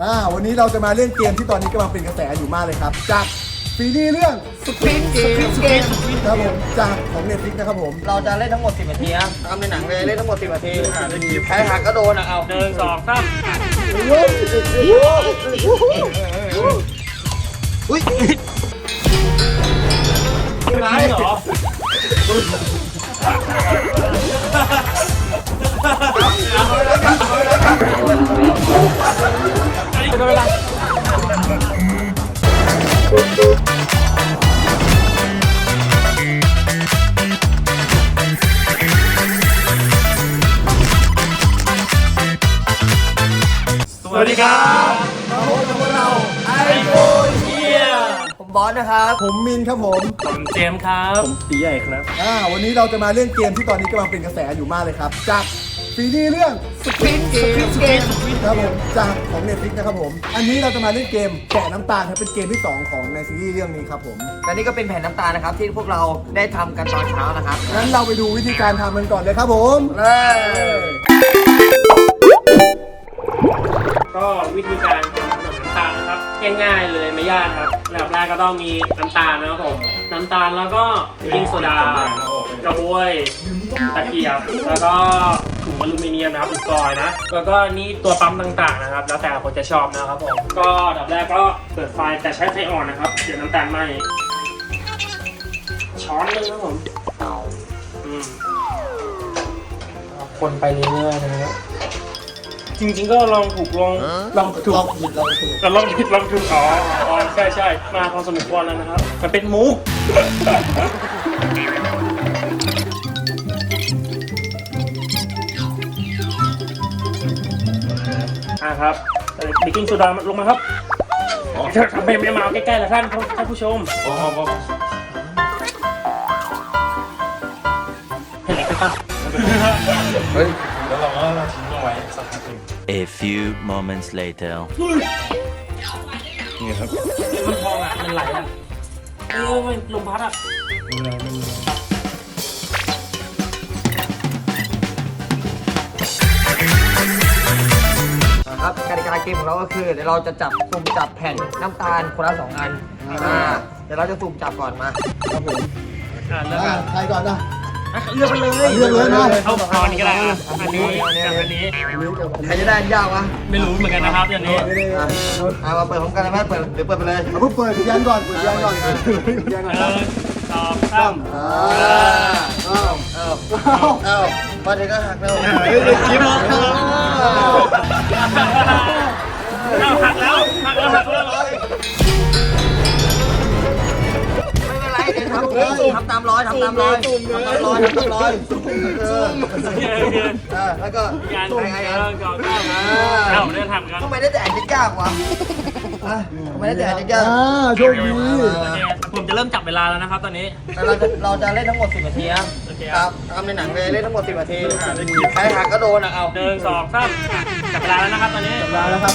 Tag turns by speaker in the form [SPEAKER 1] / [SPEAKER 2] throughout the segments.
[SPEAKER 1] วันนี้เราจะมาเล่นเกมที่ตอนนี้กำลังเป็นกระแสอยู่มากเลยครับจากซีรีส์เรื่องสควิดเกมครับผมจากของ Netflix นะครับผม
[SPEAKER 2] เราจะเล่นทั้งหมด10 นาทีครับทำในหนังเลยเล่นทั้งหมด10 นาทีใครหักก็โดนเอา1 2 3อุ้ย
[SPEAKER 3] เป็นไรเหรอเป็นเวลาสวัสดีครับ
[SPEAKER 1] มาพบกับพวกเราไอโฟน
[SPEAKER 3] เฮีย
[SPEAKER 2] ผมบอสนะครับ
[SPEAKER 1] ผมมินครับผม
[SPEAKER 3] เจมส์ครับผมตีใหญ่ครับ
[SPEAKER 1] วันนี้เราจะมาเล่นเกมที่ตอนนี้กำลังเป็นกระแสอยู่มากเลยครับจากซีรีส์เรื่องสควิดเกมครับผมจากของ Netflix นะครับผมอันนี้เราจะมาเล่นเกมแกะน้ำตาลครับเป็นเกมที่2ของในซีรีส์เรื่องนี้ครับผม
[SPEAKER 2] และนี่ก็เป็นแผ่นน้ำตาลนะครับที่พวกเราได้ทำกันตอนเช้านะครับ
[SPEAKER 1] งั้นเราไปดูวิธีการทำกันก่อนเลยครับผม
[SPEAKER 3] ก็วิธีการทำขนมน้ำตาลนะครับง่ายๆเลยไม่ยากครับอันดับแรกก็ต้องมีน้ำตาลนะครับผมน้ำตาลแล้วก็เบกกิ้งโซดากระบวยตะเกียบแล้วก็ถุงอลูมิเนียมนะครับอุปกรณ์นะแล้วก็นี่ตัวปั๊มต่างๆนะครับแล้วแต่คนจะชอบนะครับผมก็อันดับแรกก็เปิดไฟแต่ใช้ไฟอ่อนนะครับเดี๋ยวน้ำตาลไหม้ช้อนนึงครับผมคนไปเรื่อยๆนะครับจริงๆก็ลองถูกลองผิดลองถูกอ๋อใช่มาพอสมควรแล้วนะครับมันเป็นมุกครับเบกกิ้งโซดาลงมาครับทำไม่มาใกล้ๆแล้วท่านผู้ชมเห็นไหมครับ
[SPEAKER 4] เฮ้ยแล้วเราก็ทิ้งลงไว้สักพักนึง A few moments later นี่ครับ
[SPEAKER 3] มันพองอ่ะมันไหลอ่ะมันลมพัดอ่ะ
[SPEAKER 2] ครับกติกาเกมของเราก็คือเดี๋ยวเราจะสุ่มจับแผ่นน้ำตาลคนละ2 อันเดี๋ยวเราจะสุ่มจับก่อนมา
[SPEAKER 1] ครับผม
[SPEAKER 3] เลือก
[SPEAKER 1] ใครก่อนนะ
[SPEAKER 3] เลือกไปเลยนะเอาอันนี้ก็ได้อันนี้
[SPEAKER 2] ใครจะได้ยากวะ
[SPEAKER 3] ไม่รู้เหมือนกันนะครับอย่างนี้
[SPEAKER 2] มาเปิดพร้อมกันเลยไหมเปิดหรือเปิดไปเลย
[SPEAKER 1] เพิ่งเปิดยันก่อนยันก่อน
[SPEAKER 3] 2 3
[SPEAKER 2] มาถึงก็หักแล้ว
[SPEAKER 1] จิ๊บ
[SPEAKER 3] หักแล้ว
[SPEAKER 2] ทำตามร้อยแล้วก็
[SPEAKER 3] การเดินทางกัน
[SPEAKER 2] ทำไมได้แต่อ่านยากวะทำไมได้แต่อ่านยาก
[SPEAKER 1] โชคดี
[SPEAKER 3] ผมจะเริ่มจับเวลาแล้วนะครับตอนนี้
[SPEAKER 2] เราจะเล่นทั้งหมด10 นาทีครับทำในหนังเลยเล่นทั้งหมด10 นาทีใครหักก็โดนเอา
[SPEAKER 3] 1 2 3จับเวลาแล้วนะครับตอนนี้
[SPEAKER 1] จับเวลาแล้วครับ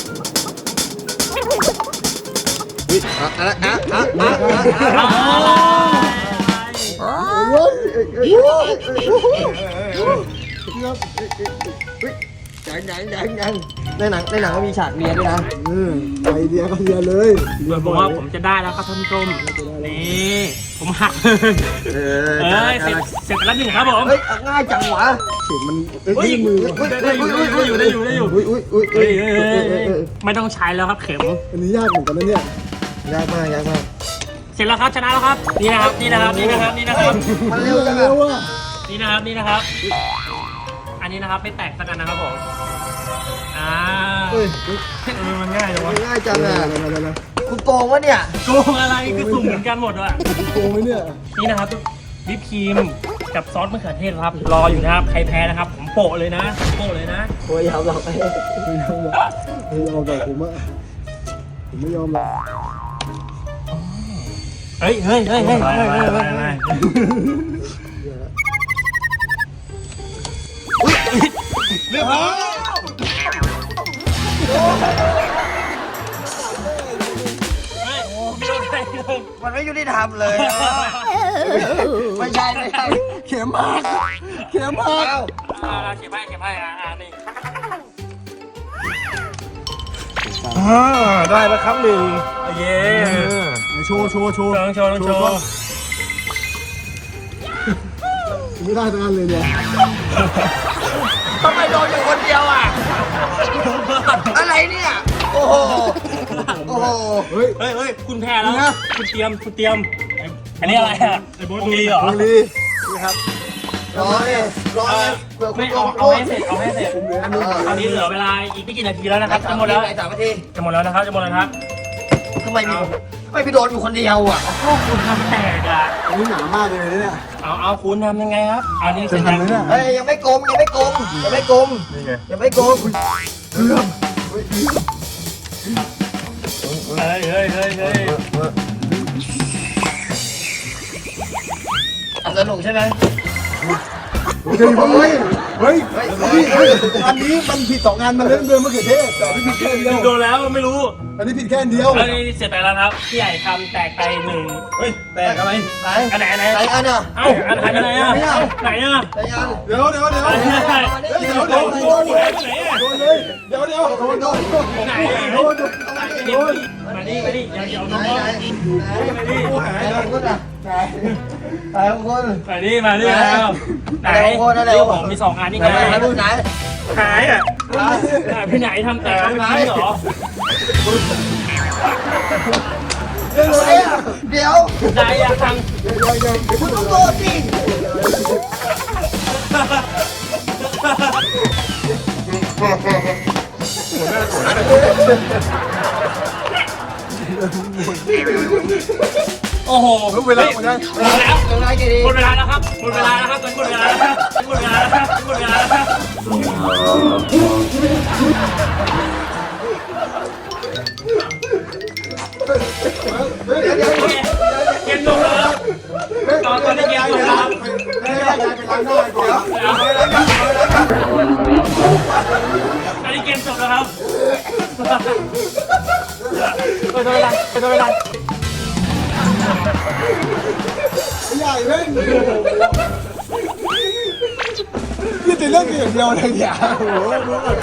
[SPEAKER 2] ยังในหนังก็มีฉากเรียนด้วยนะ
[SPEAKER 1] ไอเดียก็เรียนเลย
[SPEAKER 3] ผมว่าผมจะได้แล้วครับท่านผู้ชมนี่ผมหักเสร็จแล้ว1ครับผม
[SPEAKER 2] ง่ายจังวะ
[SPEAKER 1] เสียงมันมือ
[SPEAKER 3] ได้อยู่ไม่ต้องใช้แล้วครับเข็ม
[SPEAKER 1] อันนี้ยากเหมือนกันนะเนี่ย
[SPEAKER 2] ยากมาก
[SPEAKER 3] เสร็จแล้วครับชนะแล้วครับนี่นะครับ
[SPEAKER 2] มันเร็วจัง
[SPEAKER 1] อ่ะ
[SPEAKER 3] นี่นะครับอันนี้นะครับไม่แตกสักอันนะครับผมมันง่ายจังวะ
[SPEAKER 2] ง่ายจังอ่ะคุณโกงวะเนี่ย
[SPEAKER 3] โกงอะไรก็สุ่มเหมือนกันหมดว่ะ
[SPEAKER 1] โกงไหมเนี่ย
[SPEAKER 3] นี่นะครับวิปครีมกับซอสมะเขือเทศครับรออยู่นะครับใครแพ้นะครับผมโปะเลยนะโ
[SPEAKER 2] อ้ยยาวหรอก
[SPEAKER 1] ไม่ยอมหรอกผมไม่ยอมหรอก
[SPEAKER 3] เฮ้ย
[SPEAKER 2] เรียบร้อยมันไม่ยุติธรรมเลยไม่ใช่
[SPEAKER 1] เข็มมาก
[SPEAKER 3] เข็มให้นี่ได้แล้วครับหนึ่งเย้
[SPEAKER 1] โชว์
[SPEAKER 3] โชว์โชว์โชว์
[SPEAKER 1] ไม่ได้ทั้งนั้นเลยเนี่ย
[SPEAKER 2] ทำไมโดนอยู่คนเดียวอ่ะ อะไรเนี่ย โอ้โห โอ้โห
[SPEAKER 1] เฮ้ย
[SPEAKER 3] เฮ้ยคุณแพ้แล้วนะคุณเตรียมอันนี้อะไรอ่ะวงลีเหรอ
[SPEAKER 1] วงลีนี่ครับ
[SPEAKER 2] รอเลยเผื่อคุ
[SPEAKER 3] ไม่
[SPEAKER 2] ณโด
[SPEAKER 3] เอา
[SPEAKER 2] น
[SPEAKER 3] ให้เสร็จตอนนี้เหลือเวลาอีกไม่กี่นาทีแล้วนะครับจะหมดแล้ว
[SPEAKER 2] 3 นาที
[SPEAKER 3] จะหมดแล้วนะครับจะหมดแล้วครับ
[SPEAKER 2] ทำไมพี่โดนอยู่คนเดียวอ่ะ
[SPEAKER 3] พวกคุณทำแตกอ่ะ
[SPEAKER 1] อันนี้หนามากเลยเนี่ย
[SPEAKER 3] เอาคุณทำยังไงครับอันนี้เสร็จ
[SPEAKER 1] จะทำไหมเนี่ย
[SPEAKER 2] เฮ้ยยังไม่กลมยังไม่กลมยังไม่กลม
[SPEAKER 1] นี่ไง
[SPEAKER 2] ยังไม่กลม
[SPEAKER 1] เกือบ
[SPEAKER 3] เฮ้ย
[SPEAKER 2] สนุกใช่ไหม
[SPEAKER 1] เฮ้ยอันนี้มันผิด2 งานมันเล่นเดินมะเขือเทศแต่อันนี้ผิดแค่อันเดียว
[SPEAKER 3] โดนแล้วไม่รู้
[SPEAKER 1] อันนี้ผิดแค่อันเดียว
[SPEAKER 3] อันนี้เสร็จไปแล้วครับพี่ใหญ่ทำแตกไปหนึ่งเฮ้ยแตกอะไร
[SPEAKER 2] ไหน
[SPEAKER 3] อันไหน
[SPEAKER 2] ไหนอันอ่ะ
[SPEAKER 3] เอ้าอันไหนไหนอ่ะไหนอ่ะ
[SPEAKER 2] ไหนอัน
[SPEAKER 1] เดี๋ยวโดนเลยเดี๋ยว
[SPEAKER 3] มาดิอย่าเกี่ยวน้อง
[SPEAKER 2] ไหนของคุณอ่ะไหนของคุณ
[SPEAKER 3] มาดิแล้วไหนผมมี2 อันนี่
[SPEAKER 2] ไหน
[SPEAKER 3] ไง
[SPEAKER 2] ไหนคุณไหน
[SPEAKER 3] หายอ่ะพี่ไหนทำแตกไม่จริงเหรอ
[SPEAKER 2] เดี๋ยว
[SPEAKER 3] ไหนอยากท
[SPEAKER 2] คุณต้องโดนสิ
[SPEAKER 3] โอ้โห
[SPEAKER 1] เวลาหมดแล้ว
[SPEAKER 3] หมดแล้ว
[SPEAKER 2] เดี๋ยวไหนกี่ดี
[SPEAKER 3] หมดเวลาแล้วครับหมดเวลาแล้วครับหมดเวลาแล้วครับหมดเวลาแล้วครับหมดเวลาแล้วครับเกมจบแล้วครับตอนนี้เกมจบแล้วครับ
[SPEAKER 1] ไม่ได้ย้ายไปล้างหน้าก่อน
[SPEAKER 3] ตอนนี้เกมจบแล้วครับไปโดนเวลา
[SPEAKER 1] ใหญ่เล่นนี่ติดเรื่องอย่างเดียวเลยเนี่ยโอ้โห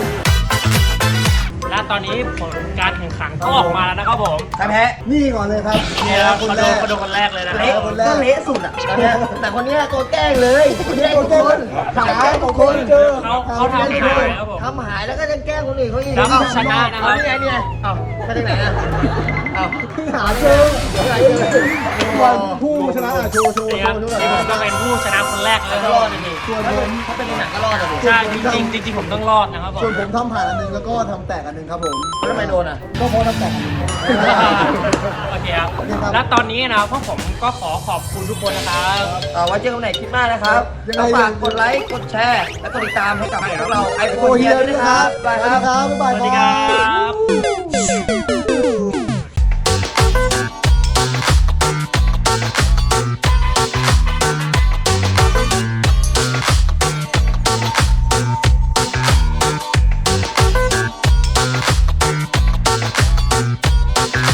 [SPEAKER 3] และตอนนี้ผลการแข่งขันก็ออกมาแล้วนะครับผม
[SPEAKER 2] ใครแพ้
[SPEAKER 1] นี่ก่อนเลยครับ
[SPEAKER 3] นี่ครับ
[SPEAKER 1] คน
[SPEAKER 3] มา
[SPEAKER 1] แร
[SPEAKER 3] ดู
[SPEAKER 1] ก
[SPEAKER 3] มาดูคนแรกเลยนะค
[SPEAKER 2] เละ
[SPEAKER 3] รับ
[SPEAKER 2] ก็เละสุดอ่ะตอนเนี้ยแต่คนเนี้ยตัวแกล้งเลยคนนี้ตัวคนขาของคน
[SPEAKER 1] เจอ
[SPEAKER 3] เขาทำหายครับผม
[SPEAKER 2] ทำหายแล้วก็จะแกล้งคนอื่นเขาอีก
[SPEAKER 3] แล้วก็ชนะนะครับ
[SPEAKER 2] นี่ไงเนี่ยเอ้าไปทางไหนอ่ะเอ้า
[SPEAKER 1] หาเจอวันผู้ชนะโชว์
[SPEAKER 3] นี่ครับนี่ผมก็เป็นผู้ชนะคนแรกเลย
[SPEAKER 2] ก็
[SPEAKER 3] ร
[SPEAKER 2] ร
[SPEAKER 3] อ
[SPEAKER 2] อ
[SPEAKER 3] ด
[SPEAKER 2] ด
[SPEAKER 3] นี่
[SPEAKER 2] ส่วนผมเขาเป็นในหนังก็รอดอ่ะดิ
[SPEAKER 3] ใช่จริงผมต้องรอดนะครับผม
[SPEAKER 1] ส่วนผมทำผ่านอันนึงแล้วก็ทำแตกอันนึงครับผม
[SPEAKER 2] แล้วทำไมโดนอ่ะ
[SPEAKER 1] ก็เพราะทำแตกอันนึง
[SPEAKER 3] โอเคครับและตอนนี้นะพวกผมก็ขอขอบคุณทุกคนนะครับ
[SPEAKER 2] ไว้เจอกันใหม่คลิปหน้านะครับก็ฝากกดไลค์กดแชร์และกดติดตามให้กับพวกเราไอโฟนเฮียด้วยนะครับบายครับ
[SPEAKER 1] บ๊ายบาย
[SPEAKER 3] สวัสดีครับ